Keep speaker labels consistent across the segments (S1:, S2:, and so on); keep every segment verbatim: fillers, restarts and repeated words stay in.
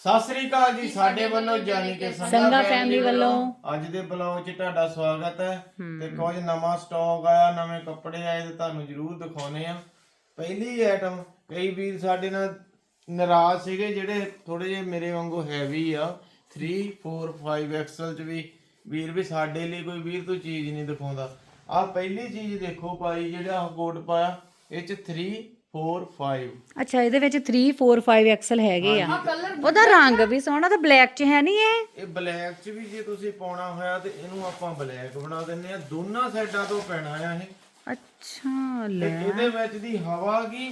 S1: ਸਤਿ ਸ੍ਰੀ ਅਕਾਲ ਜੀ ਸਾਡੇ ਵੱਲੋਂ ਜਾਨੀ ਕਿ
S2: ਸੰਗਾ ਫੈਮਿਲੀ ਵੱਲੋਂ
S1: ਅੱਜ ਦੇ ਬਲੌਗ 'ਚ ਤੁਹਾਡਾ ਸਵਾਗਤ ਹੈ ਤੇ ਕੁਝ ਨਵਾਂ ਸਟਾਕ ਆਇਆ, ਨਵੇਂ ਕੱਪੜੇ ਆਏ ਤੇ ਤੁਹਾਨੂੰ ਜ਼ਰੂਰ ਦਿਖਾਉਣੇ ਆ। ਪਹਿਲੀ ਆਈਟਮ, ਕਈ ਵੀਰ ਸਾਡੇ ਨਾਲ ਨਾਰਾਜ਼ ਸੀਗੇ ਜਿਹੜੇ ਥੋੜੇ ਜਿਹੇ ਮੇਰੇ ਵਾਂਗੂ ਹੈਵੀ ਆ ਥ੍ਰੀ ਫੋਰ ਫਾਈਵ ਐਕਸਲ 'ਚ ਵੀ ਵੀਰ ਵੀ ਸਾਡੇ ਲਈ ਕੋਈ ਵੀਰ ਤੋਂ ਚੀਜ਼ ਨਹੀਂ ਦਿਖਾਉਂਦਾ। ਆ ਪਹਿਲੀ ਚੀਜ਼ ਦੇਖੋ ਭਾਈ, ਜਿਹੜਾ ਕੋਟ ਪਾਇਆ ਇਹ 'ਚ ਥ੍ਰੀ ਫੋਰ ਫਾਈਵ।
S2: ਅੱਛਾ, ਇਹਦੇ ਵਿੱਚ ਥ੍ਰੀ ਫੋਰ ਫਾਈਵ ਐਕਸਲ ਹੈਗੇ ਆ। ਉਹਦਾ ਰੰਗ ਵੀ ਸੋਹਣਾ ਤੇ ਬਲੈਕ ਚ ਹੈ ਨਹੀਂ ਇਹ
S1: ਇਹ ਬਲੈਕ ਚ ਵੀ ਜੇ ਤੁਸੀਂ ਪਾਉਣਾ ਹੋਇਆ ਤੇ ਇਹਨੂੰ ਆਪਾਂ ਬਲੈਕ ਬਣਾ ਦਿੰਨੇ ਆ। ਦੋਨਾਂ ਸਾਈਡਾਂ ਤੋਂ ਪੈਣਾ ਆ ਇਹ।
S2: ਅੱਛਾ ਲੈ,
S1: ਤੇ ਇਹਦੇ ਵਿੱਚ ਦੀ ਹਵਾ ਕੀ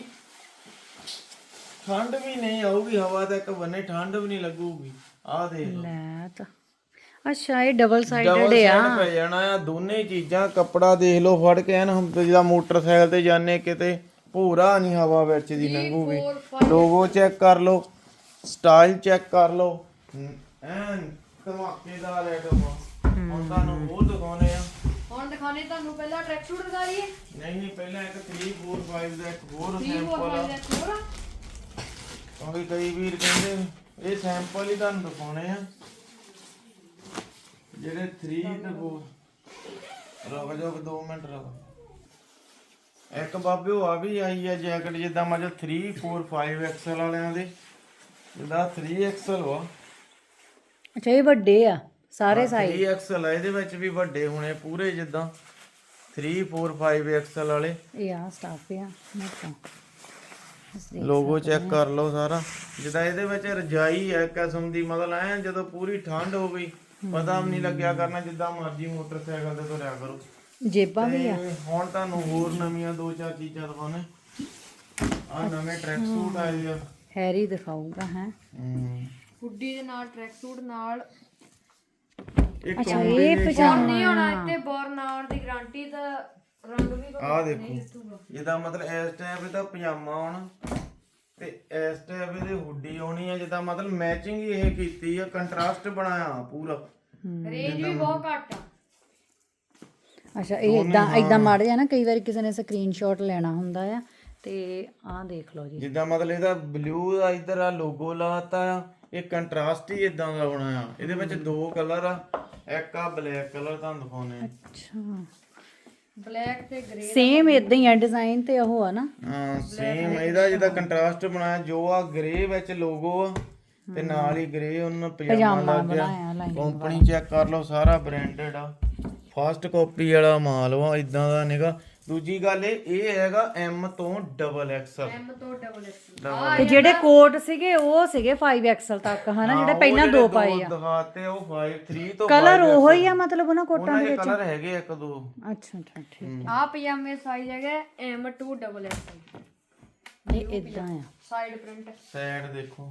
S1: ਠੰਡ ਵੀ ਨਹੀਂ ਆਊਗੀ, ਹਵਾ ਤਾਂ ਇੱਕ ਬੰਨੇ ਠੰਡ ਵੀ ਨਹੀਂ ਲੱਗੂਗੀ। ਆਹ ਦੇਖ ਲਓ,
S2: ਲੈ ਤਾਂ ਅੱਛਾ ਇਹ ਡਬਲ ਸਾਈਡਡ
S1: ਡਬਲ
S2: ਆ।
S1: ਸਾਈਡ ਪੈ ਜਾਣਾ ਆ ਦੋਨੇ ਚੀਜ਼ਾਂ। ਕੱਪੜਾ ਦੇਖ ਲਓ ਫੜ ਕੇ ਐਨ, ਹੁਣ ਜਿੱਦਾਂ ਮੋਟਰਸਾਈਕਲ ਤੇ ਜਾਂਦੇ ਕਿਤੇ ਭੂਰਾ ਨਹੀਂ ਹਵਾ ਵਿੱਚ ਦੀ ਲੰਘੂਗੀ। ਲੋਗੋ ਚੈੱਕ ਕਰ ਲਓ, ਸਟਾਈਲ ਚੈੱਕ ਕਰ ਲਓ, ਐਨ ਧਮਾਕੇਦਾਰ ਆਈਟਮ ਆ। ਹੁਣ ਤੁਹਾਨੂੰ ਹੋਰ ਦਿਖਾਉਣੇ ਆ।
S3: ਹੁਣ ਦਿਖਾਣੇ ਤੁਹਾਨੂੰ ਪਹਿਲਾਂ ਟਰੈਕ ਸੂਟ ਦਿਖਾ ਲਈਏ।
S1: ਨਹੀਂ ਨਹੀਂ ਪਹਿਲਾਂ ਇੱਕ ਥ੍ਰੀ ਫੋਰ ਫਾਈਵ ਦਾ ਇੱਕ ਹੋਰ
S3: ਥ੍ਰੀ ਫੋਰ
S1: ਸੈਂਪਲ ਆ,
S3: ਫਾਈਵ ਦਾ ਹੋਰ ਆ।
S1: ਕਿਉਂਕਿ ਕਈ ਵੀਰ ਕਹਿੰਦੇ ਇਹ ਸੈਂਪਲ ਹੀ ਤੁਹਾਨੂੰ ਦਿਖਾਉਣੇ ਆ ਜਿਹੜੇ ਥ੍ਰੀ ਤੇ ਫੋਰ। ਰੁਕ ਜਾਓ ਦੋ ਮਿੰਟ ਰੁਕ। ਇੱਕ ਬਾਬੇ ਉਹ ਆ ਵੀ ਆਈ ਆ ਜੈਕਟ, ਜਿੱਦਾਂ ਮਤਲਬ ਥ੍ਰੀ ਫੋਰ ਫਾਈਵ ਐਕਸਲ ਵਾਲਿਆਂ ਦੇ, ਜਿੱਦਾਂ ਥ੍ਰੀ ਐਕਸਲ ਵਾ।
S2: ਅੱਛਾ ਇਹ ਵੱਡੇ ਆ ਸਾਰੇ ਸਾਈਜ਼।
S1: ਥ੍ਰੀ ਐਕਸਲ ਆ, ਇਹਦੇ ਵਿੱਚ ਵੀ ਵੱਡੇ ਹੋਣੇ ਪੂਰੇ ਜਿੱਦਾਂ ਥ੍ਰੀ ਫੋਰ ਫਾਈਵ ਐਕਸਲ ਵਾਲੇ।
S2: ਇਹ ਆ ਸਟਾਫ ਆ ਮੋਟਾ।
S1: ਲੋਗੋ ਚੈੱਕ ਕਰ ਲਓ ਸਾਰਾ। ਜਿੱਦਾਂ ਇਹਦੇ ਵਿੱਚ ਰਜਾਈ ਹੈ ਕਿਸਮ ਦੀ, ਮਤਲਬ ਐ ਜਦੋਂ ਪੂਰੀ ਠੰਡ ਹੋ ਗਈ ਪਤਾ ਵੀ ਨਹੀਂ ਲੱਗਿਆ ਕਰਨਾ, ਜਿੱਦਾਂ ਮਰਜ਼ੀ ਮੋਟਰਸਾਈਕਲ ਤੇ ਤੁਰਿਆ ਕਰੋ।
S2: ਜੇਬਾਂ ਵੀ ਆ।
S1: ਤੇ ਹੁਣ ਤੁਹਾਨੂੰ ਹੋਰ ਨਵੀਆਂ ਦੋ ਚਾਰ ਚੀਜ਼ਾਂ ਦਿਖਾਉਣੇ। ਆ ਨਵੇਂ ਟਰੈਕ ਸੂਟ ਆਏ ਆ,
S2: ਹੈਰੀ ਦਿਖਾਊਗਾ ਹੈ।
S1: ਹੂੰ
S3: ਹੁੱਡੀ ਦੇ ਨਾਲ ਟਰੈਕ ਸੂਟ ਨਾਲ।
S1: ਇੱਕ
S2: ਅੱਛਾ ਇਹ ਪਜਾਮਾ
S3: ਨਹੀਂ ਹੋਣਾ ਇੱਥੇ ਬੋਰ ਨਾ ਆਉਣ ਦੀ ਗਾਰੰਟੀ ਦਾ। ਰੰਗ ਵੀ
S1: ਆ ਦੇਖੋ, ਜਿੱਦਾਂ ਮਤਲਬ ਇਸ ਟਾਈਮ ਇਹਦਾ ਪਜਾਮਾ ਆਉਣਾ ਤੇ ਇਸ ਟਾਈਮ ਇਹਦੇ ਹੁੱਡੀ ਆਉਣੀ ਆ। ਜਿੱਦਾਂ ਮਤਲਬ ਮੈਚਿੰਗ ਹੀ ਇਹ ਕੀਤੀ ਆ, ਕੰਟਰਾਸਟ ਬਣਾਇਆ ਪੂਰਾ।
S3: ਰੇਂਜ ਵੀ ਬਹੁਤ ਘੱਟ ਆ।
S2: ਅੱਛਾ ਇਹ ਇਦਾਂ ਇਦਾਂ ਮਾੜ ਜਾ ਨਾ, ਕਈ ਵਾਰੀ ਕਿਸੇ ਨੇ ਸਕਰੀਨਸ਼ਾਟ ਲੈਣਾ ਹੁੰਦਾ ਆ ਤੇ ਆਹ ਦੇਖ ਲਓ ਜੀ।
S1: ਜਿੱਦਾਂ ਮਤਲਬ ਇਹਦਾ ਬਲੂ ਦਾ ਇਧਰ ਆ ਲੋਗੋ ਲਾਤਾ ਆ, ਇਹ ਕੰਟਰਾਸਟ ਹੀ ਇਦਾਂ ਦਾ ਬਣਾਇਆ। ਇਹਦੇ ਵਿੱਚ ਦੋ ਕਲਰ ਆ, ਇੱਕ ਆ ਬਲੈਕ ਕਲਰ ਤੁਹਾਨੂੰ ਦਿਖਾਉਣੇ ਆ।
S2: ਅੱਛਾ
S3: ਬਲੈਕ ਤੇ ਗ੍ਰੇ।
S2: ਸੇਮ ਇਦਾਂ ਹੀ ਆ ਡਿਜ਼ਾਈਨ ਤੇ ਉਹ ਆ ਨਾ।
S1: ਹਾਂ ਸੇਮ ਇਹਦਾ ਜਿੱਦਾਂ ਕੰਟਰਾਸਟ ਬਣਾਇਆ, ਜੋ ਆ ਗ੍ਰੇ ਵਿੱਚ ਲੋਗੋ ਆ ਤੇ ਨਾਲ ਹੀ ਗ੍ਰੇ ਉਹਨਾਂ ਪਜਾਮਾ ਲੱਗ ਗਿਆ। ਕੰਪਨੀ ਚੈੱਕ ਕਰ ਲਓ, ਸਾਰਾ ਬ੍ਰਾਂਡਡ ਆ, ਫਸਟ ਕਾਪੀ ਵਾਲਾ ਮਾਲ ਵਾ, ਇਦਾਂ ਦਾ ਨਿਗਾ। ਦੂਜੀ ਗੱਲ ਇਹ ਇਹ ਹੈਗਾ ਐਮ ਤੋਂ ਡਬਲ ਐਕਸਲ।
S3: ਐਮ ਤੋਂ ਡਬਲ ਐਕਸਲ।
S2: ਤੇ ਜਿਹੜੇ ਕੋਟ ਸੀਗੇ ਉਹ ਸੀਗੇ ਫਾਈਵ ਐਕਸਲ ਤੱਕ ਹਨਾ, ਜਿਹੜੇ ਪਹਿਲਾਂ ਦੋ ਪਾਏ ਆ।
S1: ਦਿਖਾਤੇ ਉਹ ਪੰਜ ਥ੍ਰੀ ਤੋਂ
S2: ਕਲਰ ਉਹੋ ਹੀ ਆ ਮਤਲਬ ਉਹਨਾਂ ਕੋਟਾਂ ਦੇ ਵਿੱਚ।
S1: ਕਲਰ ਹੈਗੇ ਇੱਕ ਦੋ।
S2: ਅੱਛਾ ਅੱਛਾ ਠੀਕ।
S3: ਆ ਪਜਾਮੇ ਸਾਈਜ਼ ਹੈਗਾ ਐਮ ਟੂ ਡਬਲ ਐਕਸਲ।
S2: ਇਹ ਇਦਾਂ ਆ।
S3: Side print.
S1: ਸਾਈਡ ਦੇਖੋ,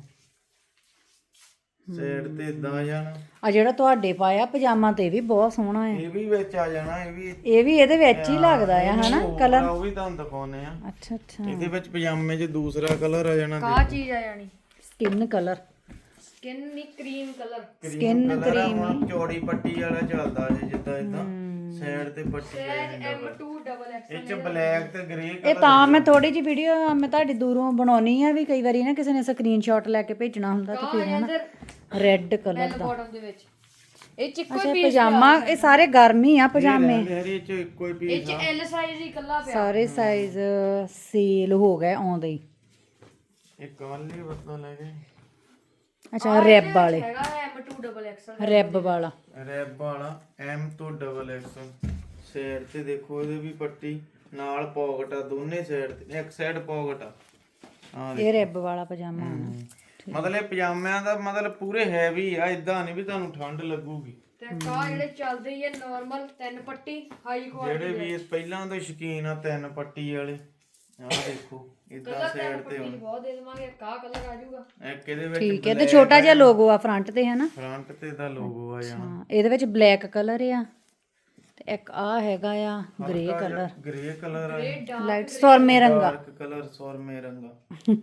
S1: ਸਾਈਡ ਤੇ ਇਦਾਂ ਆ ਜਾਣਾ।
S2: ਆ ਜਿਹੜਾ ਤੁਹਾਡੇ ਪਾਇਆ ਪਜਾਮਾ ਤੇ ਵੀ ਬਹੁਤ ਸੋਹਣਾ ਆ।
S1: ਇਹ ਵੀ ਵਿੱਚ ਆ ਜਾਣਾ, ਇਹ ਵੀ
S2: ਇਹ ਵੀ ਇਹਦੇ ਵਿੱਚ ਹੀ ਲੱਗਦਾ ਆ ਹਨਾ ਕਲਰ।
S1: ਉਹ ਵੀ ਤੁਹਾਨੂੰ ਦਿਖਾਉਨੇ ਆ।
S2: ਅੱਛਾ ਅੱਛਾ
S1: ਇਹਦੇ ਵਿੱਚ ਪਜਾਮੇ 'ਚ ਦੂਸਰਾ ਕਲਰ ਆ ਜਾਣਾ।
S3: ਕਾ ਚੀਜ਼ ਆ ਜਾਣੀ
S2: ਸਕਿਨ ਕਲਰ।
S3: ਸਕਿਨ ਨਹੀਂ, ਕਰੀਮ ਕਲਰ।
S2: ਸਕਿਨ
S1: ਕਰੀਮ ਚੌੜੀ ਪੱਟੀ ਵਾਲਾ ਚੱਲਦਾ ਜੇ, ਜਿੱਦਾਂ ਇਦਾਂ ਸਾਈਡ ਤੇ ਪੱਟੀ ਆ ਜਾਂਦੀ।
S3: M to double XL.
S1: ਇਹ 'ਚ ਬਲੈਕ ਤੇ ਗ੍ਰੇ
S2: ਇਹ
S1: ਕਲਰ।
S2: ਤਾਂ ਮੈਂ ਥੋੜੀ ਜਿਹੀ ਵੀਡੀਓ ਮੈਂ ਤੁਹਾਡੀ ਦੂਰੋਂ ਬਣਾਉਣੀ ਆ ਵੀ ਕਈ ਵਾਰੀ ਨਾ ਕਿਸੇ ਨੇ ਸਕਰੀਨਸ਼ਾਟ ਲੈ ਕੇ ਭੇਜਣਾ ਹੁੰਦਾ ਤਾਂ ਫਿਰ ਹਨਾ ਰੈੱਡ ਕਲਰ ਦਾ।
S3: ਬਾਟਮ ਦੇ ਵਿੱਚ ਇਹ ਚ ਇੱਕੋ
S2: ਅੱਛਾ ਪਜਾਮਾ, ਇਹ ਸਾਰੇ ਗਰਮ ਹੀ ਆ ਪਜਾਮੇ।
S1: ਹਰੀ 'ਚ ਇੱਕੋ ਹੀ
S3: ਇਹ
S1: ਪੀਸ
S3: ਚ ਐਲ ਸਾਈਜ਼ ਹੀ ਇਕੱਲਾ ਪਿਆ।
S2: ਸਾਰੇ ਸਾਈਜ਼ ਸੇਲ ਹੋ ਗਏ ਆਉਂਦੇ ਹੀ।
S1: ਇਹ ਕਾਲੀ ਬਤਨਾ ਲੈ ਗਏ।
S2: ਅੱਛਾ ਰੈਬ ਵਾਲੇ,
S3: ਹੈਗਾ ਐਮ ਟੂ ਡਬਲ ਐਕਸਲ।
S2: ਰੈਬ ਵਾਲਾ।
S1: ਰੈਬ ਵਾਲਾ ਐਮ ਤੋਂ ਡਬਲ ਐਕਸਲ। ਸਾਈਡ ਤੇ ਦੇਖੋ ਇਹਦੇ ਵੀ ਪੱਟੀ ਨਾਲ ਪੌਕਟ ਆ, ਦੋਨੇ ਸਾਈਡ ਤੇ। ਇੱਕ ਸਾਈਡ ਪੌਕਟ ਆ। ਹਾਂ
S2: ਇਹ ਰੈਬ ਵਾਲਾ ਪਜਾਮਾ ਆ ਨਾ।
S1: ਮਤਲਬ ਇਹ ਪਜਾਮਿਆਂ ਦਾ ਮਤਲਬ ਪੂਰੇ ਹੈਵੀ ਆ, ਇਦਾਂ ਨਹੀਂ ਵੀ ਤੁਹਾਨੂੰ ਠੰਡ ਲੱਗੂਗੀ।
S3: ਤੇ ਕਾ ਜਿਹੜੇ ਚੱਲਦੇ ਹੀ ਆ ਨਾਰਮਲ ਤਿੰਨ ਪੱਟੀ ਹਾਈ ਕੁਆਲਿਟੀ।
S1: ਜਿਹੜੇ ਵੀ ਪਹਿਲਾਂ ਤੋਂ ਸ਼ੌਕੀਨ ਆ ਤਿੰਨ ਪੱਟੀ ਵਾਲੇ, ਆਹ ਦੇਖੋ ਇਦਾਂ ਸਾਈਡ ਤੇ ਹੁਣ
S3: ਬਹੁਤ ਦੇ ਦੇਵਾਂਗੇ। ਕਾ ਕਲਰ ਆ ਜਾਊਗਾ
S1: ਇੱਕ ਇਹਦੇ ਵਿੱਚ
S2: ਠੀਕ ਹੈ। ਤੇ ਛੋਟਾ ਜਿਹਾ ਲੋਗੋ ਆ ਫਰੰਟ ਤੇ ਹਨਾ।
S1: ਫਰੰਟ ਤੇ ਦਾ ਲੋਗੋ ਆ ਜਾਣਾ।
S2: ਹਾਂ ਇਹਦੇ ਵਿੱਚ ਬਲੈਕ ਕਲਰ ਆ ਤੇ ਇੱਕ ਆ ਹੈਗਾ ਆ ਗ੍ਰੇ ਕਲਰ।
S1: ਗ੍ਰੇ ਕਲਰ ਆ,
S2: ਲਾਈਟ ਸਰਮੇ ਰੰਗਾ।
S1: ਡਾਰਕ ਕਲਰ ਸੌਰਮੇ ਰੰਗਾ।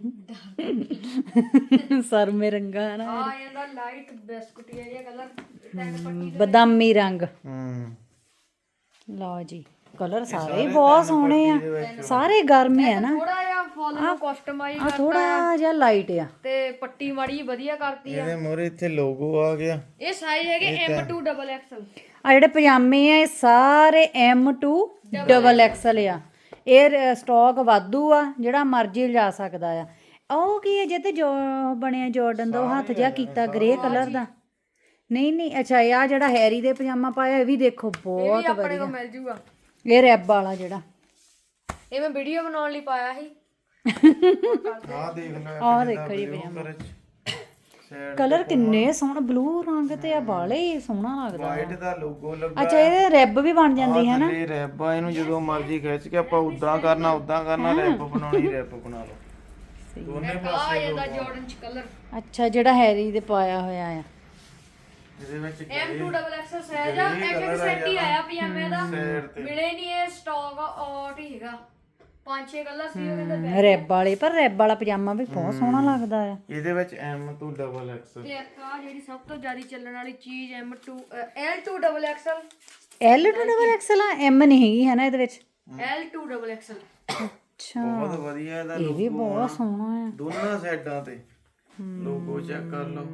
S2: ਸਰਮੇ ਰੰਗਾ ਹੈ ਨਾ।
S3: ਆ ਜਾਂਦਾ ਲਾਈਟ ਬਿਸਕੁਟੀਆ ਜਿਹਾ ਕਲਰ ਤਿੰਨ ਪੱਟੀ।
S2: ਬਦਾਮੀ ਰੰਗ।
S1: ਹੂੰ
S2: ਲਓ ਜੀ ਕਲਰ ਸਾਰੇ ਹੀ ਬਹੁਤ ਸੋਹਣੇ ਆ, ਸਾਰੇ ਗਰਮ ਆ ਨਾ।
S3: ਥੋੜਾ ਜਿਹਾ ਫੁੱਲ ਨੂੰ ਕਸਟਮਾਈਜ਼
S2: ਆ ਥੋੜਾ ਜਿਹਾ ਲਾਈਟ ਆ
S3: ਤੇ ਪੱਟੀ ਮਾੜੀ ਜਿਹੀ ਵਧੀਆ ਕਰਤੀ ਆ।
S1: ਇਹਦੇ ਮੋਰੇ ਇੱਥੇ ਲੋਗੋ ਆ ਗਿਆ।
S3: ਇਹ ਸਾਈਜ਼ ਹੈਗੇ ਐਮ ਟੂ ਡਬਲ ਐਕਸਲ।
S2: ਆ ਜਿਹੜੇ ਪਜਾਮੇ ਆ ਇਹ ਸਾਰੇ ਐਮ ਟੂ ਡਬਲ ਐਕਸਲ ਆ। ਇਹ ਸਟਾਕ ਵਾਧੂ ਆ, ਜਿਹੜਾ ਮਰਜ਼ੀ ਲਿਜਾ ਸਕਦਾ ਆ। ਉਹ ਕੀ ਹੈ ਜੇ ਤੇ ਜੋ ਬਣਿਆ ਜਾਰਡਨ ਦਾ, ਉਹ ਹੱਥ ਜਿਹਾ ਕੀਤਾ ਗ੍ਰੇ ਕਲਰ ਦਾ। ਨਹੀਂ ਨਹੀਂ ਅੱਛਾ, ਇਹ ਆ ਜਿਹੜਾ ਹੈਰੀ ਦੇ ਪਜਾਮਾ ਪਾਇਆ ਇਹ ਵੀ ਦੇਖੋ ਬਹੁਤ
S3: ਆਪਣੇ
S2: ਵਧੀਆ।
S3: ਕੋਲ ਮਿਲ ਜੂਗਾ।
S2: ਇਹ ਰੈਬ ਵਾਲਾ ਜਿਹੜਾ
S3: ਇਹ ਮੈਂ ਵੀਡੀਓ ਬਣਾਉਣ ਲਈ ਪਾਇਆ ਸੀ।
S1: ਆਹ ਦੇਖ ਲੈ,
S2: ਆਹ ਦੇਖੋ ਜੀ ਪਜਾਮਾ, ਕਲਰ ਕਿੰਨੇ ਸੋਹਣਾ, ਬਲੂ ਰੰਗ ਤੇ ਆ ਬਾਲੇ ਹੀ ਸੋਹਣਾ ਲੱਗਦਾ।
S1: ਵਾਈਟ ਦਾ ਲੋਗੋ ਲੱਗਾ।
S2: ਅੱਛਾ ਇਹਦੇ ਰੈਬ ਵੀ ਬਣ ਜਾਂਦੀ ਹੈ ਨਾ।
S1: ਇਹ ਰੈਬ ਆ, ਇਹਨੂੰ ਜਦੋਂ ਮਰਜ਼ੀ ਖਿੱਚ ਕੇ ਆਪਾਂ ਉਦਾਂ ਕਰਨਾ ਉਦਾਂ ਕਰਨਾ, ਰੈਬ ਬਣਾਉਣੀ ਰੈਬ ਬਣਾ ਲਓ ਦੋਨੇ
S3: ਆ
S1: ਪਾਸੇ।
S3: ਜਾਂਦਾ ਜਾਰਡਨ ਚ ਕਲਰ
S2: ਅੱਛਾ ਜਿਹੜਾ ਹੈਰੀ ਦੇ ਪਾਇਆ ਹੋਇਆ ਆ।
S1: ਇਹਦੇ ਵਿੱਚ
S3: M to double XL size ਆ। ਇੱਕ ਇੱਕ ਸੈੱਟ ਹੀ ਆਇਆ ਪਜਾਮੇ ਦਾ, ਮਿਲੇ ਨਹੀਂ ਇਹ ਸਟਾਕ ਆਊਟ ਹੀ ਹੈਗਾ। ਪੰਜ ਛੇ ਕਲਰ ਸੀ ਉਹ ਕਹਿੰਦੇ।
S2: ਰੈਬ ਵਾਲੇ, ਪਰ ਰੈਬ ਵਾਲਾ ਪਜਾਮਾ ਵੀ ਬਹੁਤ ਸੋਹਣਾ ਲੱਗਦਾ ਆ।
S1: ਇਹਦੇ ਵਿੱਚ ਐਮ ਤੋਂ ਡਬਲ ਐਕਸ।
S3: ਤੇ ਇੱਕ ਆ ਜਿਹੜੀ ਸਭ ਤੋਂ ਜ਼ਿਆਦਾ ਚੱਲਣ ਵਾਲੀ ਚੀਜ਼ M to L to double XL.
S2: L to double XL ਆ, ਐਮ ਨਹੀਂ ਹੈਗੀ ਹੈ ਨਾ ਇਹਦੇ ਵਿੱਚ।
S3: L to double XL.
S2: ਅੱਛਾ
S1: ਬਹੁਤ ਵਧੀਆ ਇਹਦਾ
S2: ਇਹ ਵੀ ਬਹੁਤ ਸੋਹਣਾ ਆ।
S1: ਦੋਨਾਂ ਸਾਈਡਾਂ ਤੇ ਲੋਗੋ ਚੈੱਕ ਕਰ ਲਓ,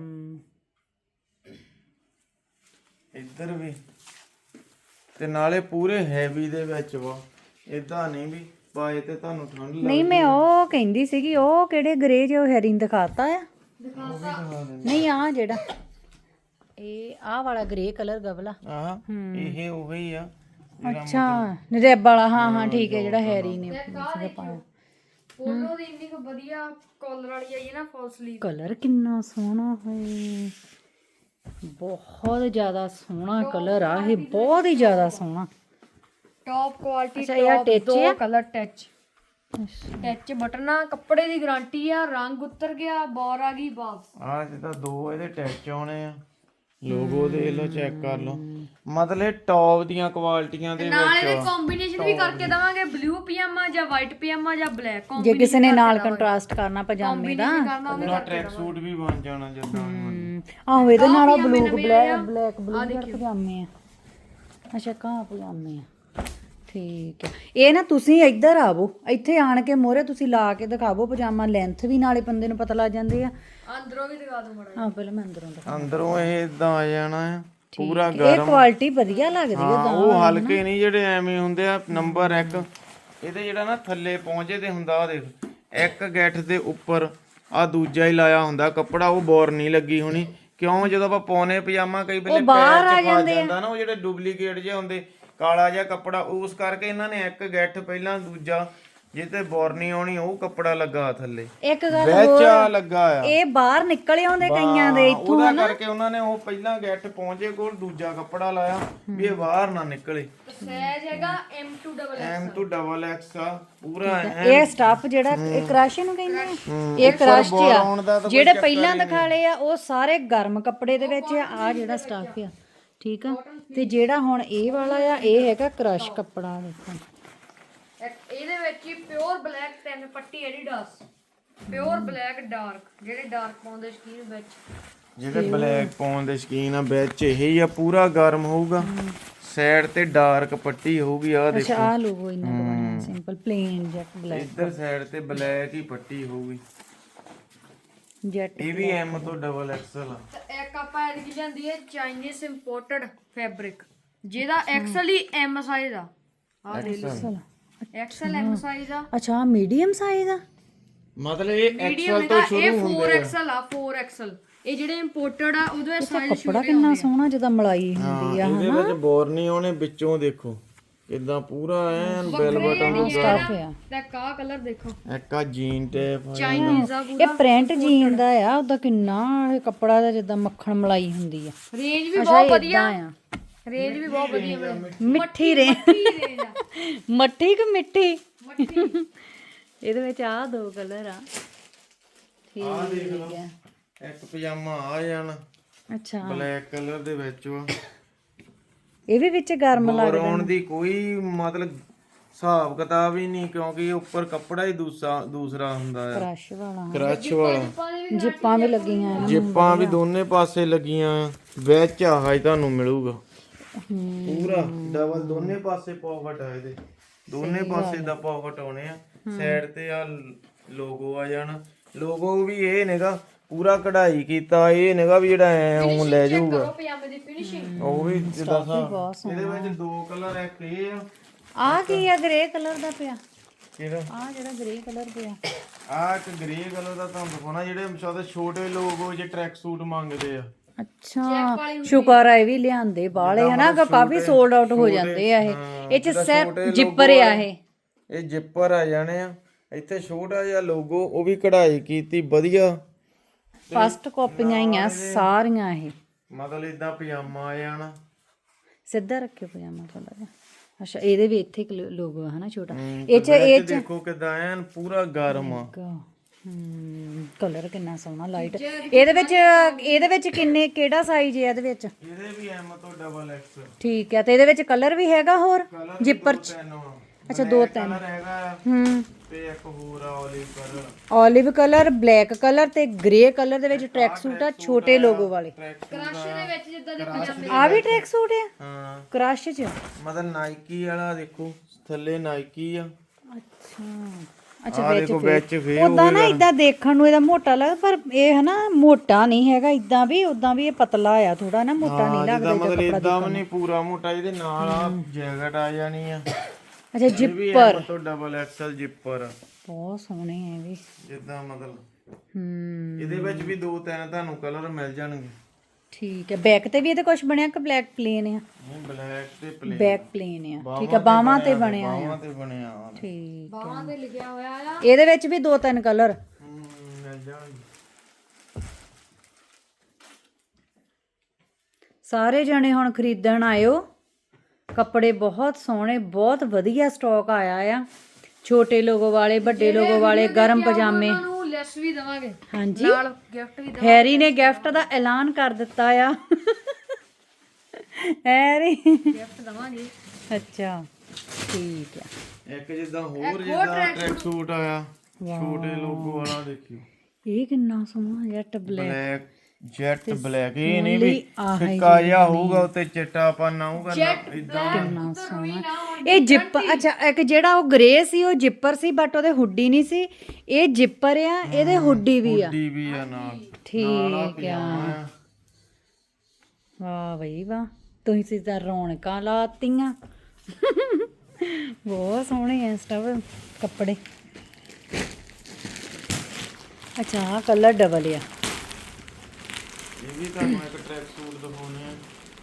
S1: ਇੱਧਰ ਵੀ। ਤੇ ਨਾਲੇ ਪੂਰੇ ਹੈਵੀ ਦੇ ਵਿੱਚ ਵਾ, ਇਦਾਂ ਨਹੀਂ ਵੀ ਪਾਏ ਤੇ ਤੁਹਾਨੂੰ ਠੰਡ ਲੱਗ।
S2: ਨਹੀਂ ਮੈਂ ਉਹ ਕਹਿੰਦੀ ਸੀਗੀ, ਉਹ ਕਿਹੜੇ ਗ੍ਰੇ ਜਿਹੇ ਹੈਰੀ ਨੇ ਦਿਖਾਤਾ ਆ। ਨਹੀਂ ਆ ਜਿਹੜਾ ਇਹ ਆਹ ਵਾਲਾ ਗ੍ਰੇ ਕਲਰ ਗਵਲਾ।
S1: ਆਹ ਇਹ ਉਹੀ ਆ।
S2: ਅੱਛਾ ਰੈਬ ਵਾਲਾ, ਹਾਂ ਹਾਂ ਠੀਕ ਹੈ, ਜਿਹੜਾ ਹੈਰੀ ਨੇ ਸੀਗਾ ਪਾਇਆ।
S3: ਪੋਲੋ ਦੀ ਇੰਨੀ ਕੁ ਵਧੀਆ ਕਾਲਰ ਵਾਲੀ ਆਈ ਹੈ ਨਾ, ਫੁੱਲ ਸਲੀਵ।
S2: ਕਲਰ ਕਿੰਨਾ ਸੋਹਣਾ ਹੈ, ਬਹੁਤ ਜ਼ਿਆਦਾ ਸੋਹਣਾ ਕਲਰ ਆ ਇਹ, ਬਹੁਤ ਹੀ ਜ਼ਿਆਦਾ ਸੋਹਣਾ।
S3: ਟੌਪ ਕੁਆਲਿਟੀ,
S2: ਅੱਛਾ ਇਹ
S3: ਟੌਪ
S2: ਟੱਚ
S3: ਦੋ
S2: ਆ?
S3: Colour touch. ਟੱਚ ਬਟਨਾ, ਕੱਪੜੇ ਦੀ ਗਾਰੰਟੀ ਆ। ਰੰਗ ਉਤਰ ਗਿਆ, ਬੌਰ ਆ ਗਈ ਵਾਪਸ।
S1: ਆਹ ਜਿੱਦਾਂ ਦੋ ਇਹਦੇ ਟੈਚ ਆਉਣੇ ਆ, ਲੋਗੋ ਦੇਖ ਲਓ, ਚੈੱਕ ਕਰ ਲਓ। ਮਤਲਬ ਟੌਪ ਦੀਆਂ ਕੁਆਲਿਟੀਆਂ ਦੇ
S3: ਨਾਲ
S1: ਵਿੱਚ
S3: ਇਹਦੇ ਕੰਬੀਨੇਸ਼ਨ ਵੀ ਕਰਕੇ ਦਵਾਂਗੇ, ਬਲੂ ਪਜਾਮਾ ਜਾਂ ਵਾਈਟ ਪਜਾਮਾ ਜਾਂ ਬਲੈਕ
S2: ਜੇ
S3: ਕੰਬੀਨੇਸ਼ਨ।
S2: ਕਿਸੇ ਨੇ ਨਾਲ ਕੰਟਰਾਸਟ ਕਰਨਾ ਪਜਾਮੇ ਦਾ।
S3: ਕਰਨਾ ਉਹ ਵੀ
S1: ਪੂਰਾ ਟਰੈਕ ਸੂਟ ਵੀ ਬਣ ਜਾਣਾ ਜਿੱਦਾਂ
S2: ਹਮ, ਆਹੋ ਇਹਦੇ ਨਾਲ ਉਹ ਬਲੂ ਬਲੈਕ ਬਲੈਕ ਬਲੂ ਪਜਾਮੇ ਆ। ਅੱਛਾ ਕਾ ਪਜਾਮੇ ਆ, ਠੀਕ ਹੈ। ਇਹ ਨਾ ਤੁਸੀਂ ਇੱਧਰ ਆਵੋ, ਇੱਥੇ ਆਣ ਕੇ ਮੋਹਰੇ ਤੁਸੀਂ ਲਾ ਕੇ ਦਿਖਾਵੋ ਪਜਾਮਾ, ਲੈਂਥ ਵੀ ਨਾਲੇ ਬੰਦੇ ਨੂੰ ਪਤਾ ਲੱਗ ਜਾਂਦੀ ਆ।
S3: ਅੰਦਰੋਂ ਵੀ ਦਿਖਾ ਦੋ ਮੜਾ।
S2: ਹਾਂ ਪਹਿਲਾਂ ਮੈਂ ਅੰਦਰੋਂ ਦਿਖਾ।
S1: ਅੰਦਰੋਂ ਇਹ ਇਦਾਂ ਆ ਜਾਣਾ ਆ ਪੂਰਾ
S2: ਇਹ
S1: ਗਰਮ।
S2: ਕੁਆਲਿਟੀ ਵਧੀਆ ਲੱਗਦੀ
S1: ਹਾਂ,
S2: ਹੈ।
S1: ਉਹ ਹਲਕੇ ਨਹੀਂ ਜਿਹੜੇ ਐਵੇਂ ਹੁੰਦੇ ਆ। ਨੰਬਰ ਇੱਕ ਇਹਦੇ ਜਿਹੜਾ ਨਾ ਥੱਲੇ ਪਹੁੰਚੇ ਤੇ ਹੁੰਦਾ, ਆ ਦੇਖ ਇੱਕ ਗੱਠ ਦੇ ਉੱਪਰ ਆ ਦੂਜਾ ਹੀ ਲਾਇਆ ਹੁੰਦਾ ਕੱਪੜਾ, ਉਹ ਬੋਰ ਨਹੀਂ ਲੱਗੀ ਹੋਣੀ। ਕਿਉਂ ਜਦੋਂ ਆਪਾਂ ਪਾਉਨੇ ਪਜਾਮਾ ਕਈ ਵੇਲੇ ਪੈਰ 'ਚ ਫਸ ਜਾਂਦਾ ਨਾ, ਉਹ ਜਿਹੜੇ ਡੁਪਲੀਕੇਟ ਜਿਹੇ ਹੁੰਦੇ, ਕਾਲਾ ਜਿਹਾ ਕੱਪੜਾ, ਉਸ ਕਰਕੇ ਇਹਨਾਂ ਨੇ ਇੱਕ ਗੱਠ ਪਹਿਲਾਂ, ਦੂਜਾ ਜੇ ਤੇ ਬੋਰ ਨਹੀਂ ਆਉਣੀ ਉਹ ਕੱਪੜਾ ਲੱਗਾ ਥੱਲੇ,
S2: ਇੱਕ ਗੱਲ
S1: ਵਿੱਚ ਆ ਲੱਗਾ ਆ।
S2: ਇਹ ਬਾਹਰ ਨਿਕਲ ਆਉਂਦੇ ਕਈਆਂ ਦੇ ਇੱਥੋਂ।
S1: ਉਹਦਾ ਕਰਕੇ ਉਹਨਾਂ ਨੇ ਉਹ ਪਹਿਲਾਂ ਗੱਠ ਪਹੁੰਚੇ ਕੋਲ ਦੂਜਾ ਕੱਪੜਾ ਲਾਇਆ ਵੀ ਇਹ ਬਾਹਰ ਨਾ ਨਿਕਲੇ।
S3: ਸਾਈਜ਼ ਹੈਗਾ M to double
S1: M to double X ਆ ਪੂਰਾ।
S2: ਇਹ ਸਟਾਫ ਜਿਹੜਾ ਇਹ ਕ੍ਰਸ਼ ਨੂੰ ਕਹਿੰਦੇ ਆ, ਇਹ ਕ੍ਰਸ਼ ਆ। ਜਿਹੜੇ ਪਹਿਲਾਂ ਦਿਖਾਲੇ ਆ ਉਹ ਸਾਰੇ ਗਰਮ ਕੱਪੜੇ ਦੇ ਵਿੱਚ ਆ। ਆ ਜਿਹੜਾ ਸਟਾਫ ਆ, ਠੀਕ ਆ। ਤੇ ਜਿਹੜਾ ਹੁਣ ਇਹ ਵਾਲਾ ਆ, ਇਹ ਹੈਗਾ ਕ੍ਰਸ਼ ਕੱਪੜਾ। ਦੇਖੋ
S3: ਇਹਦੇ ਵਿੱਚ ਹੀ ਪਿਓਰ ਬਲੈਕ ਤਿੰਨ ਪੱਟੀ ਐਡੀਡਾਸ, ਪਿਓਰ ਬਲੈਕ ਡਾਰਕ, ਜਿਹੜੇ ਡਾਰਕ ਪਾਉਂਦੇ ਸ਼ਕੀਨ ਵਿੱਚ,
S1: ਜਿਹੜੇ ਬਲੈਕ ਪਾਉਣ ਦੇ ਸ਼ਕੀਨ ਆ, ਵਿੱਚ ਇਹ ਹੀ ਆ ਪੂਰਾ ਗਰਮ ਹੋਊਗਾ। ਸਾਈਡ ਤੇ ਡਾਰਕ ਪੱਟੀ ਹੋਊਗੀ, ਆ ਦੇਖੋ।
S2: ਅੱਛਾ ਆ ਲੋਗੋ ਇਹਨਾਂ ਦਾ ਬਣਿਆ ਸਿੰਪਲ ਪਲੇਨ ਜੈਟ ਬਲੈਕ,
S1: ਇੱਧਰ ਸਾਈਡ ਤੇ ਬਲੈਕ ਹੀ ਪੱਟੀ ਹੋਊਗੀ।
S2: ਜੈਟ।
S1: ਇਹ ਵੀ ਐਮ ਤੋਂ ਡਬਲ ਐਕਸਲ ਆ।
S3: ਤੇ ਇੱਕ ਆਪਾਂ ਐਡ ਕੀ ਜਾਂਦੀ ਹੈ ਚਾਈਨੀਜ਼ ਇੰਪੋਰਟਡ ਫੈਬਰਿਕ, ਜਿਹਦਾ ਐਕਸਲ ਹੀ ਐਮ ਸਾਈਜ਼ ਆ। ਆ ਲੈ ਲਓ, ਐਕਸਲ ਐਮ ਸਾਈਜ਼ ਆ।
S2: ਅੱਛਾ ਮੀਡੀਅਮ ਸਾਈਜ਼ ਆ,
S1: ਮਤਲਬ ਇਹ
S3: ਮੀਡੀਅਮ
S1: ਐਕਸਲ ਤੋਂ
S3: ਇਹ
S1: ਸ਼ੁਰੂ
S3: ਫੋਰ
S1: ਹੁੰਦੇ ਆ।
S3: ਐਕਸਲ ਆ, ਫੋਰ ਐਕਸਲ। ਇਹ ਜਿਹੜੇ ਇੰਪੋਰਟਡ ਆ ਉਹਦਾ ਸਾਈਜ਼
S2: ਕੱਪੜਾ ਕਿੰਨਾ ਸੋਹਣਾ ਜਿੱਦਾਂ ਮਲਾਈ ਹੁੰਦੀ ਆ।
S1: ਇਹਦੇ ਵਿੱਚ ਬੋਰ ਨਹੀਂ ਆਉਣੇ, ਵਿੱਚੋਂ ਦੇਖੋ ਕਿਦਾਂ ਪੂਰਾ ਐਨ ਬੈਲ ਬਟਨ
S2: ਸਟਾਫ ਆ।
S3: ਤੇ ਕਾ ਕਲਰ ਦੇਖੋ,
S1: ਇੱਕ ਆ ਜੀਨ ਟੇਪ
S3: ਚਾਈਨੀਜ਼ ਆ।
S2: ਇਹ ਪ੍ਰਿੰਟ ਜੀਨ ਦਾ ਆ, ਉਹਦਾ ਕਿੰਨਾ ਇਹ ਕੱਪੜਾ ਦਾ ਜਿੱਦਾਂ ਮੱਖਣ ਮਲਾਈ ਹੁੰਦੀ ਆ।
S3: ਰੇਂਜ ਵੀ ਬਹੁਤ ਵਧੀਆ,
S2: ਆ
S3: ਰੇਂਜ ਵੀ ਬਹੁਤ ਵਧੀਆ।
S2: ਮਿੱਠੀ ਰੇ
S3: ਰੇਂਜ ਆ,
S2: ਮੱਠੀ ਕਿ ਮਿੱਠੀ।
S3: ਮੱਠੀ।
S2: ਇਹਦੇ ਵਿੱਚ ਆ ਦੋ ਕਲਰ ਆ, ਠੀਕ ਹੈ।
S1: ਇੱਕ ਪਜਾਮਾ ਆ ਜਾਣਾ
S2: ਅੱਛਾ
S1: ਬਲੈਕ ਕਲਰ ਦੇ ਵਿੱਚ ਵਾ।
S2: ਇਹ ਵੀ ਵਿੱਚ ਗਰਮ
S1: ਬੋਰ
S2: ਲੱਗਦਾ।
S1: ਆਉਣ ਦੀ ਕੋਈ ਮਤਲਬ ਹਿਸਾਬ ਕਿਤਾਬ ਹੀ ਨਹੀਂ, ਕਿਉਂਕਿ ਇਹ ਉੱਪਰ ਕੱਪੜਾ ਹੀ ਦੂਸਰਾ ਦੂਸਰਾ ਹੁੰਦਾ ਆ,
S2: ਕ੍ਰਸ਼ ਵਾਲਾ,
S1: ਕ੍ਰਸ਼ ਵਾਲਾ।
S2: ਜਿੱਪਾਂ ਵੀ ਲੱਗੀਆਂ ਇਹਨਾਂ ਨੂੰ।
S1: ਜਿੱਪਾਂ ਵੀ ਦੋਨੇ ਪਾਸੇ ਲੱਗੀਆਂ, ਵਿੱਚ ਆਹ ਹੀ ਤੁਹਾਨੂੰ ਮਿਲੂਗਾ। ਪੂਰਾ ਡਬਲ ਦੋਨੇ ਪਾਸੇ ਪਾਕਟ ਆ ਇਹਦੇ ਦੋਨੇ ਪਾਸੇ ਦਾ ਪਾਕਟ ਆਉਣੇ ਆ ਸਾਈਡ ਤੇ ਆ ਲੋਗੋ ਆ ਜਾਣਾ ਲੋਗੋ ਵੀ ਇਹ ਨੇਗਾ ਪੂਰਾ ਕਢਾਈ ਕੀਤਾ ਇਹ ਨੇਗਾ ਵੀ ਜਿਹੜਾ ਐ ਉਹ ਲੈ ਜਾਊਗਾ
S3: ਪਜਾਮੇ ਦੀ ਫਿਨਿਸ਼ਿੰਗ
S1: ਉਹ ਵੀ ਜਿੱਦਾਂ ਸਾ ਇਹਦੇ ਵਿੱਚ ਦੋ ਕਲਰ ਇੱਕ ਇਹ ਆ
S2: ਆ ਕੀ ਆ ਗ੍ਰੇ ਕਲਰ ਦਾ ਪਿਆ
S1: ਕਿਹੜਾ
S2: ਆ ਜਿਹੜਾ ਗ੍ਰੇ ਕਲਰ ਪਿਆ
S1: ਆ ਇੱਕ ਗ੍ਰੇ ਕਲਰ ਦਾ ਤੁਹਾਨੂੰ ਦਿਖਾਉਣਾ ਜਿਹੜੇ ਸ਼ਾਇਦ ਛੋਟੇ ਲੋਗੋ ਜੇ ਟਰੈਕ ਸੂਟ ਮੰਗਦੇ ਆ
S2: ਅੱਛਾ ਸ਼ੁਕਰ ਆ ਇਹ ਵੀ ਲਿਆਂਦੇ ਬਾਲੇ ਹਨਾ ਕਾਫੀ ਸੋਲਡ ਆਊਟ ਹੋ ਜਾਂਦੇ ਆ ਇਹ ਇਹ ਚ ਸਿਰਫ ਜਿੱਪਰ ਆ ਇਹ
S1: ਇਹ ਜਿੱਪਰ ਆ ਜਾਣੇ ਆ ਇੱਥੇ ਛੋਟਾ ਜਿਹਾ ਲੋਗੋ ਉਹ ਵੀ ਕਢਾਈ ਕੀਤੀ ਵਧੀਆ
S2: ਫਸਟ ਕਾਪੀਆਂ ਹੀ ਆ ਸਾਰੀਆਂ ਇਹ
S1: ਮਤਲਬ ਇਦਾਂ ਪਜਾਮਾ ਆ ਜਾਣਾ
S2: ਸਿੱਧਾ ਰੱਖਿਓ ਪਜਾਮਾ ਥੋੜਾ ਜਿਹਾ ਅੱਛਾ ਇਹਦੇ ਵੀ ਇੱਥੇ ਲੋਗੋ ਹੈ ਨਾ ਛੋਟਾ ਇਹ ਚ ਇਹ ਚ
S1: ਦੇਖੋ ਕਿਦਾਂ ਐਨ ਪੂਰਾ ਗਰਮ ਆ
S2: ਹਮ ਕਲਰ ਕਿੰਨਾ ਸੋਹਣਾ ਲਾਈਟ ਇਹਦੇ ਵਿੱਚ ਇਹਦੇ ਵਿੱਚ ਕਿੰਨੇ ਕਿਹੜਾ ਸਾਈਜ਼ ਹੈ ਇਹਦੇ ਵਿੱਚ
S1: ਇਹਦੇ ਵੀ ਐਮ ਤੋਂ ਡਬਲ ਐਕਸ
S2: ਠੀਕ ਹੈ ਤੇ ਇਹਦੇ ਵਿੱਚ ਕਲਰ ਵੀ ਹੈਗਾ ਹੋਰ ਜਿੱਪਰ ਚ ਅੱਛਾ ਦੋ ਤਿੰਨ
S1: ਕਲਰ ਹੈਗਾ
S2: ਹਮ
S1: ਤੇ ਇੱਕ ਹੋਰ ਆ olive colour
S2: olive colour black colour ਤੇ ਗ੍ਰੇ ਕਲਰ ਦੇ ਵਿੱਚ ਟਰੈਕ ਸੂਟ ਆ ਛੋਟੇ ਲੋਗੋ ਵਾਲੇ
S3: ਕ੍ਰਸ਼ ਦੇ ਵਿੱਚ ਜਿੱਦਾਂ ਦੇ ਪਜਾਮੇ
S2: ਆ ਵੀ ਟਰੈਕ ਸੂਟ ਆ
S1: ਹਾਂ
S2: ਕ੍ਰਸ਼ ਚ
S1: ਮਤਲਬ ਨਾਈਕੀ ਵਾਲਾ ਦੇਖੋ ਥੱਲੇ ਨਾਈਕੀ ਆ
S2: ਅੱਛਾ ਅੱਛਾ
S1: ਆ ਦੇਖੋ ਵਿੱਚ ਫੇ
S2: ਉਦਾਂ ਨਾ ਇਦਾਂ ਦੇਖਣ ਨੂੰ ਇਹਦਾ ਮੋਟਾ ਲੱਗਦਾ ਪਰ ਇਹ ਹਨਾ ਮੋਟਾ ਨਹੀਂ ਹੈਗਾ ਇਦਾਂ ਵੀ ਉਦਾਂ ਵੀ ਇਹ ਪਤਲਾ ਆ ਥੋੜਾ ਨਾ ਮੋਟਾ ਨਹੀਂ ਲੱਗਦਾ
S1: ਮਤਲਬ ਇਦਾਂ ਵੀ ਨਹੀਂ ਪੂਰਾ ਮੋਟਾ ਇਹਦੇ ਨਾਲ ਆ ਜੈਕਟ ਆ ਜਾਣੀ ਆ
S2: ਅੱਛਾ ਜਿੱਪਰ
S1: ਤੋਂ ਡਬਲ ਐਕਸਲ ਜਿੱਪਰ
S2: ਬਹੁਤ ਸੋਹਣੇ ਆ ਇਹ ਵੀ
S1: ਜਿੱਦਾਂ ਮਤਲਬ
S2: ਹਮ
S1: ਇਹਦੇ ਵਿੱਚ ਵੀ ਦੋ ਤਿੰਨ ਤੁਹਾਨੂੰ ਕਲਰ ਮਿਲ ਜਾਣਗੇ
S2: ਠੀਕ ਹੈ ਬੈਕ ਤੇ ਵੀ ਇਹਦੇ ਕੁਝ ਬਣਿਆ ਕਿ ਬਲੈਕ ਪਲੇਨ ਆ
S1: ਨਹੀਂ ਬਲੈਕ ਤੇ ਪਲੇਨ
S2: ਬੈਕ ਪਲੇਨ ਆ ਠੀਕ ਹੈ ਬਾਹਾਂ ਤੇ ਬਣਿਆ ਆ
S1: ਬਾਹਾਂ ਤੇ ਬਣਿਆ ਆ
S2: ਠੀਕ
S3: ਬਾਹਾਂ ਤੇ ਲਿਖਿਆ ਹੋਇਆ ਆ
S2: ਇਹਦੇ ਵਿੱਚ ਵੀ ਦੋ ਤਿੰਨ ਕਲਰ
S1: ਹਮ, ਮਿਲ ਜਾਣਗੇ
S2: ਸਾਰੇ ਜਣੇ ਹੁਣ ਖਰੀਦਣ ਆਇਓ ਕੱਪੜੇ ਬਹੁਤ ਸੋਹਣੇ ਬਹੁਤ ਵਧੀਆ ਸਟਾਕ ਆਇਆ ਆ ਛੋਟੇ ਲੋਗੋ ਵਾਲੇ ਵੱਡੇ ਲੋਗੋ ਵਾਲੇ ਗਰਮ ਪਜਾਮੇ
S3: ਉਹਨਾਂ ਨੂੰ ਲੈਸ ਵੀ ਦਵਾਂਗੇ
S2: ਹਾਂਜੀ
S3: ਨਾਲ ਗਿਫਟ ਵੀ
S2: ਹੈਰੀ ਨੇ ਗਿਫਟ ਦਾ ਐਲਾਨ ਕਰ ਦਿੱਤਾ ਆ ਹੈਰੀ
S3: ਗਿਫਟ ਦਵਾਂਗੇ
S2: ਅੱਛਾ ਠੀਕ ਆ
S1: ਇੱਕ ਜਿੱਦਾਂ ਹੋਰ ਜਿੱਦਾਂ ਟਰੈਕ ਸੂਟ ਆਇਆ ਛੋਟੇ ਲੋਗੋ ਵਾਲਾ ਦੇਖਿਓ
S2: ਇਹ ਕਿੰਨਾ ਸੋਹਣਾ jet black
S1: black jet black ਇਹ ਨਹੀਂ ਵੀ ਫਿੱਕਾ ਜਿਹਾ ਹੋਊਗਾ ਉੱਤੇ ਚਿੱਟਾ ਪਨ ਆਊਗਾ ਨਾ ਇਦਾਂ
S2: ਕਿੰਨਾ ਸੋਹਣਾ ਇਹ ਜਿੱਪ ਅੱਛਾ ਇੱਕ ਜਿਹੜਾ ਉਹ ਗ੍ਰੇ ਸੀ ਉਹ ਜਿੱਪਰ ਸੀ ਬਟ ਉਹਦੇ ਹੁੱਡੀ ਨਹੀਂ ਸੀ ਇਹ ਜਿੱਪਰ ਆ ਇਹਦੇ ਹੁੱਡੀ ਵੀ ਆ
S1: ਡੀ ਵੀ ਆ ਨਾਲ
S2: ਠੀਕ ਆ ਵਾਹ ਬਈ ਵਾਹ ਤੁਸੀਂ ਸਿੱਧਾ ਰੌਣਕਾਂ ਲਾਤੀਆਂ ਬਹੁਤ ਸੋਹਣੇ ਆ ਸਟਵ ਕੱਪੜੇ ਅੱਛਾ ਆਹ ਕਲਰ ਡਬਲ ਆ
S1: ਇਹ ਵੀ ਤੁਹਾਨੂੰ ਇੱਕ ਟਰੈਕ ਸੂਟ ਦਿਖਾਉਣੇ ਆ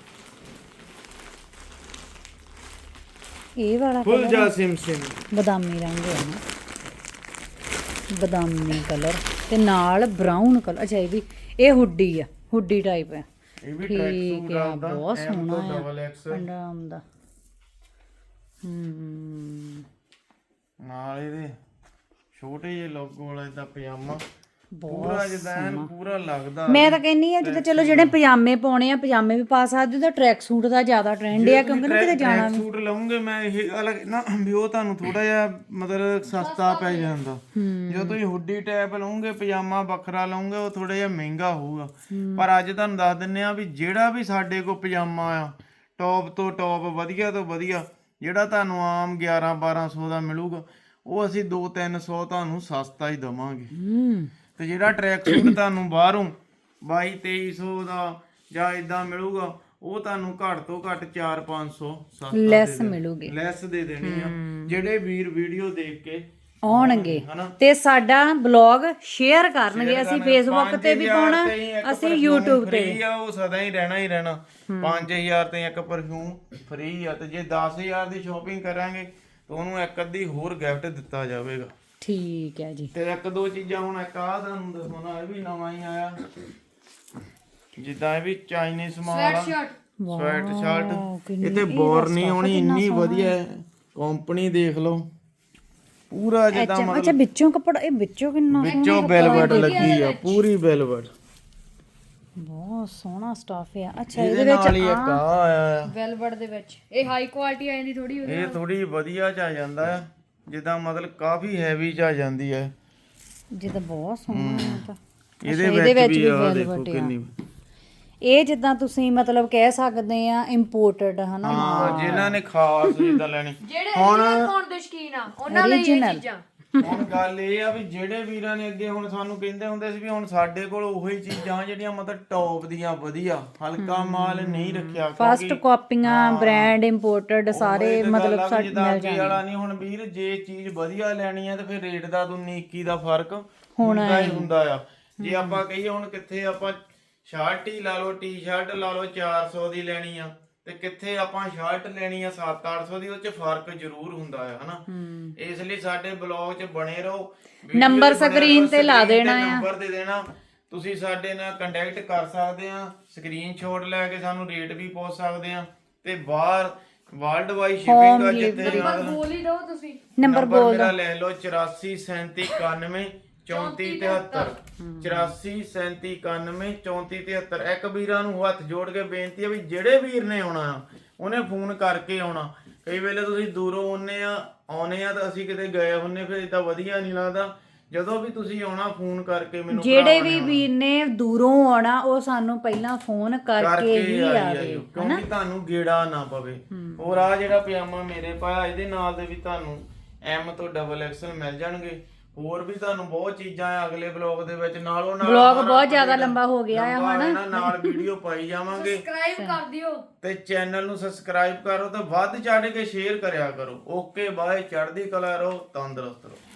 S2: ਇਹ ਵਾਲਾ
S1: ਫੁੱਲ ਜਾ ਸਿਮ ਸਿਮ
S2: ਬਦਾਮੀ ਰੰਗ ਹੈ ਨਾ ਬਦਾਮੀ ਕਲਰ ਤੇ ਨਾਲ ਬਰਾਊਨ ਕਲਰ ਅੱਛਾ ਇਹ ਵੀ ਇਹ ਹੁੱਡੀ ਆ ਹੁੱਡੀ ਟਾਈਪ ਹੈ
S1: ਇਹ ਵੀ ਟਰੈਕ
S2: ਠੀਕ
S1: ਸੂਟ
S2: ਆ
S1: ਆਉਂਦਾ
S2: ਬਹੁਤ ਸੋਹਣਾ ਆ
S1: ਡਬਲ ਐਕਸ
S2: ਅੰਡਰਆਰਮ ਦਾ ਹਮ
S1: ਨਾਲ ਇਹਦੇ ਛੋਟੇ ਜਿਹੇ ਲੋਗੋ ਵਾਲਾ ਇਹਦਾ ਪਜਾਮਾ ਪੂਰਾ ਜਿੱਦਾਂ ਐਨ ਪੂਰਾ ਲੱਗਦਾ
S2: ਮੈਂ ਤਾਂ ਕਹਿੰਨੀ ਆ ਜਿੱਦਾਂ ਚਲੋ ਜਿਹੜੇ ਪਜਾਮੇ ਪਾਉਣੇ ਆ ਪਜਾਮੇ ਵੀ ਪਾ ਸਕਦੇ ਤਾਂ ਟਰੈਕ ਸੂਟ ਦਾ ਜ਼ਿਆਦਾ ਟ੍ਰੈਂਡ ਆ ਕਿਉਂਕਿ ਨਾ ਕਿਤੇ ਜਾਣਾ
S1: ਟਰੈਕ ਸੂਟ ਲਵਾਂਗੇ ਮੈਂ ਇਹ ਅਲੱਗ ਨਾ ਵੀ ਉਹ ਤੁਹਾਨੂੰ ਥੋੜਾ ਜਿਹਾ ਮਤਲਬ ਸਸਤਾ ਪੈ ਜਾਂਦਾ ਜੇ ਤੁਸੀਂ ਹੁੱਡੀ ਟਾਈਪ ਲਓਗੇ ਪਜਾਮਾ ਵੱਖਰਾ ਲਓਗੇ ਉਹ ਥੋੜਾ ਜਿਹਾ ਮਹਿੰਗਾ ਹੋਊਗਾ ਪਰ ਅੱਜ ਤੁਹਾਨੂੰ ਦੱਸ ਦਿੰਨੇ ਆ ਵੀ ਜਿਹੜਾ ਵੀ ਸਾਡੇ ਕੋਲ ਪਜਾਮਾ ਆ ਟੌਪ ਤੋਂ ਟੌਪ ਵਧੀਆ ਤੋਂ ਵਧੀਆ ਜਿਹੜਾ ਤੁਹਾਨੂੰ ਆਮ ਗਿਆਰਾਂ ਬਾਰਾਂ ਸੌ ਦਾ ਮਿਲੂਗਾ ਉਹ ਅਸੀਂ ਦੋ ਤਿੰਨ ਸੌ ਤੁਹਾਨੂੰ ਸਸਤਾ ਹੀ ਦਵਾਂਗੇ
S2: ਹੂੰ
S1: ਤੇ ਜਿਹੜਾ ਟਰੈਕ ਸੂਟ ਤੁਹਾਨੂੰ ਬਾਹਰੋਂ ਬਾਈ ਤੇਈ ਸੌ ਦਾ ਜਾਂ ਇਦਾਂ ਮਿਲੂਗਾ ਉਹ ਤੁਹਾਨੂੰ ਘੱਟ ਤੋਂ ਘੱਟ ਚਾਰ ਪੰਜ ਸੌ ਸਸਤਾ
S2: ਲੈਸ ਮਿਲੂਗੀ
S1: ਲੈਸ ਦੇ ਦੇਣੀ ਆ ਜਿਹੜੇ ਵੀਰ ਵੀਡੀਓ ਦੇਖ ਕੇ
S2: ਆਉਣਗੇ
S1: ਹਨਾ
S2: ਤੇ ਸਾਡਾ ਬਲੌਗ ਸ਼ੇਅਰ ਕਰਨਗੇ ਅਸੀਂ ਫੇਸਬੁੱਕ ਤੇ ਵੀ ਪਾਉਣਾ ਅਸੀਂ YouTube ਤੇ
S1: ਫ੍ਰੀ ਆ ਉਹ ਸਦਾ ਹੀ ਰਹਿਣਾ ਹੀ ਰਹਿਣਾ ਪੰਜ ਹਜ਼ਾਰ ਤੇ ਇੱਕ ਪਰਫਿਊਮ ਫ੍ਰੀ ਆ ਤੇ ਜੇ ਦਸ ਹਜ਼ਾਰ ਦੀ ਸ਼ਾਪਿੰਗ ਕਰਾਂਗੇ ਤਾਂ ਉਹਨੂੰ ਇੱਕ ਅੱਧੀ ਹੋਰ ਗਿਫਟ ਦਿੱਤਾ ਜਾਵੇਗਾ
S2: ਠੀਕ ਹੈ ਜੀ
S1: ਤੇ ਇੱਕ ਦੋ ਚੀਜ਼ਾਂ ਹੁਣ ਇੱਕ ਆ ਤੁਹਾਨੂੰ ਦੱਸਣਾ ਇਹ ਵੀ ਨਵਾਂ ਹੀ ਆਇਆ ਜਿੱਦਾਂ ਇਹ ਵੀ ਚਾਈਨੀਜ਼ ਮਾਲ ਆ
S3: ਸ਼ਰਟ
S1: ਸਵੈਟ ਸ਼ਰਟ ਇਹ ਤੇ ਬੋਰ ਨਹੀਂ ਹੋਣੀ ਇੰਨੀ ਵਧੀਆ ਕੰਪਨੀ ਦੇਖ ਲਓ ਪੂਰਾ ਜਿੱਦਾਂ
S2: ਅੱਛਾ ਅੱਛਾ ਵਿੱਚੋਂ ਕੱਪੜਾ ਇਹ ਵਿੱਚੋਂ ਕਿੰਨਾ
S1: ਵਿੱਚੋਂ ਵੈਲਵਟ ਲੱਗੀ ਆ ਪੂਰੀ ਵੈਲਵਟ
S2: ਬਹੁਤ ਸੋਹਣਾ ਸਟਾਫ ਆ ਅੱਛਾ
S1: ਇਹਦੇ ਨਾਲ ਹੀ ਇੱਕ ਆ ਆਇਆ ਆ
S3: ਵੈਲਵਟ ਦੇ ਵਿੱਚ ਇਹ ਹਾਈ ਕੁਆਲਿਟੀ ਆ ਜਾਂਦੀ ਥੋੜੀ
S1: ਇਹ ਥੋੜੀ ਵਧੀਆ ਚ ਆ ਜਾਂਦਾ ਆ ਜਿੱਦਾਂ ਮਤਲਬ ਕਾਫੀ ਹੈਵੀ ਚ ਆ ਜਾਂਦੀ ਹੈ
S2: ਜਿਹਦਾ ਬਹੁਤ ਸੋਹਣਾ ਆ ਤਾਂ
S1: ਇਹਦੇ ਵਿੱਚ ਵੀ ਆ ਦੇਖੋ ਕਿੰਨੀ
S2: ਇਹ ਜਿੱਦਾਂ ਤੁਸੀਂ ਮਤਲਬ ਕਹਿ ਸਕਦੇ ਆ ਇੰਪੋਰਟਡ ਹਨਾ
S1: ਹਾਂ ਜਿਨ੍ਹਾਂ ਨੇ ਖਾਸ ਜਿੱਦਾਂ ਲੈਣੀ
S3: ਜਿਹੜੇ ਜਿਹੜੇ ਫੋਨ ਦੇ ਸ਼ੌਕੀਨ ਆ ਉਹਨਾਂ ਲਈ ਇਹ ਚੀਜ਼ਾਂ
S1: ਹੁਣ ਗੱਲ ਇਹ ਆ ਵੀ ਜਿਹੜੇ ਵੀਰਾਂ ਨੇ ਅੱਗੇ ਹੁਣ ਸਾਨੂੰ ਕਹਿੰਦੇ ਹੁੰਦੇ ਸੀ ਵੀ ਹੁਣ ਸਾਡੇ ਕੋਲ ਉਹੀ ਚੀਜ਼ਾਂ ਜਿਹੜੀਆਂ ਮਤਲਬ ਟੌਪ ਦੀਆਂ ਵਧੀਆ ਹਲਕਾ ਮਾਲ ਨਹੀਂ ਰੱਖਿਆ
S2: ਫਸਟ ਕਾਪੀਆਂ ਬ੍ਰਾਂਡ ਇੰਪੋਰਟਡ ਸਾਰੇ ਮਤਲਬ
S1: ਸਾਡੇ ਮਿਲ ਜਾਣਗੇ ਵਾਲਾ ਨਹੀਂ ਹੁਣ ਵੀਰ ਜੇ ਚੀਜ਼ ਵਧੀਆ ਲੈਣੀ ਆ ਤੇ ਫਿਰ ਰੇਟ ਦਾ ਤੋਂ ਨੀਕੀ ਦਾ ਫਰਕ ਹੁੰਦਾ ਹੀ ਹੁੰਦਾ ਆ ਜੇ ਆਪਾਂ ਕਹੀਏ ਹੁਣ ਕਿੱਥੇ ਆਪਾਂ ਸ਼ਰਟ ਹੀ ਲਾ ਲਓ ਟੀ-ਸ਼ਰਟ ਲਾ ਲਓ ਚਾਰ ਸੌ ਦੀ ਲੈਣੀ ਆ ਤੇ ਕਿੱਥੇ ਆਪਾਂ ਸ਼ਰਟ ਲੈਣੀ ਆ ਸੱਤ ਅੱਠ ਸੌ ਦੀ ਉਹ ਚ ਫਰਕ ਜ਼ਰੂਰ ਹੁੰਦਾ ਆ ਹਨਾ ਇਸ ਲਈ ਸਾਡੇ ਬਲੌਗ ਚ ਬਣੇ ਰਹੋ
S2: ਨੰਬਰ ਸਕਰੀਨ ਤੇ ਲਾ ਦੇਣਾ ਆ
S1: ਨੰਬਰ ਦੇ ਦੇਣਾ ਤੁਸੀਂ ਸਾਡੇ ਨਾਲ ਕੰਟੈਕਟ ਕਰ ਸਕਦੇ ਆ ਸਕਰੀਨਸ਼ਾਟ ਲੈ ਕੇ ਸਾਨੂੰ ਰੇਟ ਵੀ ਪੁੱਛ ਸਕਦੇ ਆ ਤੇ ਬਾਹਰ ਵਰਲਡ ਵਾਈਡ ਸ਼ਿਪਿੰਗ ਆ ਜਿੱਥੇ
S3: ਨੰਬਰ ਬੋਲ ਹੀ ਦਿਓ ਤੁਸੀਂ
S2: ਨੰਬਰ ਬੋਲ
S1: ਮੇਰਾ ਲੈ ਲਓ ਚੁਰਾਸੀ ਸੈਂਤੀ ਇਕਾਨਵੇਂ ਚੌਂਤੀ ਤਿਹੱਤਰ ਚੁਰਾਸੀ ਸੈਂਤੀ ਇਕਾਨਵੇਂ ਚੌਂਤੀ ਤਿਹੱਤਰ ਇੱਕ ਵੀਰਾਂ ਨੂੰ ਹੱਥ ਜੋੜ ਕੇ ਬੇਨਤੀ ਆ ਵੀ ਜਿਹੜੇ ਵੀਰ ਨੇ ਆਉਣਾ ਆ ਉਹਨੇ ਫੋਨ ਕਰਕੇ ਆਉਣਾ ਕਈ ਵੇਲੇ ਤੁਸੀਂ ਦੂਰੋਂ ਆਉਨੇ ਆ ਆਉਨੇ ਆ ਤਾਂ ਅਸੀਂ ਕਿਤੇ ਗਏ ਹੁੰਨੇ ਫਿਰ ਇਦਾਂ ਵਧੀਆ ਨਹੀਂ ਲੱਗਦਾ ਜਦੋਂ ਵੀ ਤੁਸੀਂ ਆਉਣਾ ਫੋਨ ਕਰਕੇ ਮੈਨੂੰ
S2: ਜਿਹੜੇ ਵੀ ਵੀਰ ਨੇ ਦੂਰੋਂ ਆਉਣਾ ਉਹ ਸਾਨੂੰ ਪਹਿਲਾਂ ਫੋਨ ਕਰਕੇ ਹੀ ਆਵੇ
S1: ਕਿਉਂਕਿ ਤੁਹਾਨੂੰ ਗੇੜਾ ਨਾ ਪਵੇ ਹੋਰ ਆ ਜਿਹੜਾ ਪਜਾਮਾ ਮੇਰੇ ਪਾਇਆ ਇਹਦੇ ਨਾਲ ਦੇ ਵੀ ਤੁਹਾਨੂੰ ਐਮ ਤੋਂ ਡਬਲ ਐਕਸਲ ਮਿਲ ਜਾਣਗੇ ਹੋਰ ਵੀ ਤੁਹਾਨੂੰ ਬਹੁਤ ਚੀਜ਼ਾਂ ਆ ਅਗਲੇ ਬਲੌਗ ਦੇ ਵਿੱਚ ਨਾਲੋਂ ਨਾਲ
S2: ਬਲੌਗ ਬਹੁਤ ਜ਼ਿਆਦਾ ਲੰਬਾ ਹੋ ਗਿਆ ਆ ਹੁਣ
S1: ਨਾਲ ਵੀਡੀਓ ਪਾਈ ਜਾਵਾਂਗੇ
S3: ਸਬਸਕ੍ਰਾਈਬ ਕਰ ਦਿਓ
S1: ਤੇ ਚੈਨਲ ਨੂੰ ਸਬਸਕ੍ਰਾਈਬ ਕਰੋ ਤੇ ਵੱਧ ਚੜ੍ਹ ਕੇ ਸ਼ੇਅਰ ਕਰਿਆ ਕਰੋ ਓਕੇ ਬਾਏ ਚੜ੍ਹਦੀ ਕਲਾ ਰਹੋ ਤੰਦਰੁਸਤ ਰਹੋ।